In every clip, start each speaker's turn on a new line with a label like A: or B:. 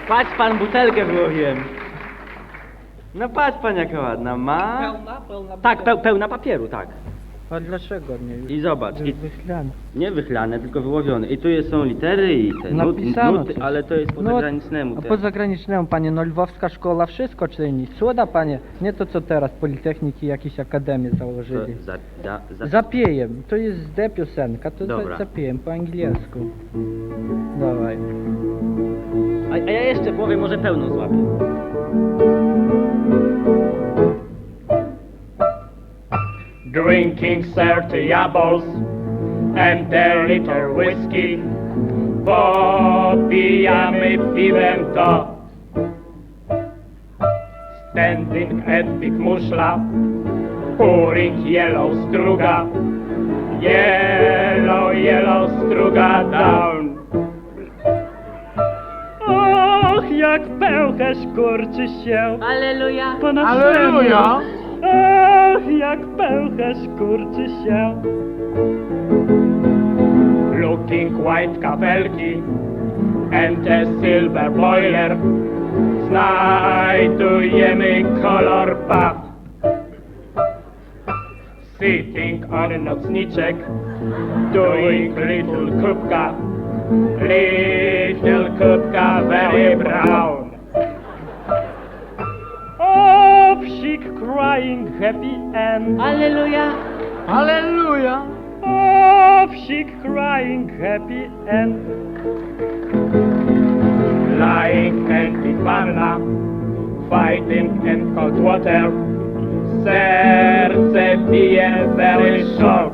A: Patrz pan, butelkę wyłowiłem. No patrz pan jaka ładna, ma...
B: Pełna
A: Tak, pełna papieru, tak.
B: A dlaczego nie?
A: I zobacz, i
B: Wyślane.
A: nie wychlane, tylko wyłowione. I tu są litery i te
B: Napisano
A: nuty,
B: coś.
A: ale to jest po zagranicznemu.
B: A
A: te.
B: po zagranicznemu, panie, no lwowska szkoła wszystko czyni. Cuda, panie, nie to co teraz, politechniki jakieś akademie założyli. Zapiejem, to jest D piosenka, to
A: Dobra.
B: zapiejem po angielsku. Dawaj.
A: A ja jeszcze połowie może pełną złapię.
C: Drinking 30 apples and a liter whiskey. Popijamy piwem to. Standing at Big Muszla, pouring yellow struga. Yellow, yellow struga down. Och, jak pęcherz kurczy się
A: Alleluja!
C: po naszemu. Ach, jak pęcherz kurczy się. Looking white kafelki and a silver boiler. Znajdujemy kolor pap. Sitting on nocniczek, doing little kubka. Little kubka very brown. Oh, psik crying happy end.
A: Alleluja!
C: Hallelujah. Oh, psik crying happy end. Lying and in wanna, fighting in cold water. Serce bije very short.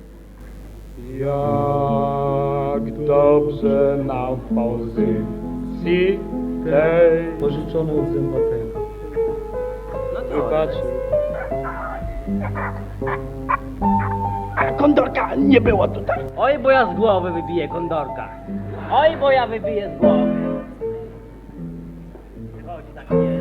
C: Jak dobrze na pozycji tej.
B: Pożyczone od zębatego.
A: No to...
C: Wybaczy. Kondorka nie było tutaj.
A: Oj, bo ja z głowy wybiję kondorka. Oj, bo ja wybiję z głowy. Chodź tak nie.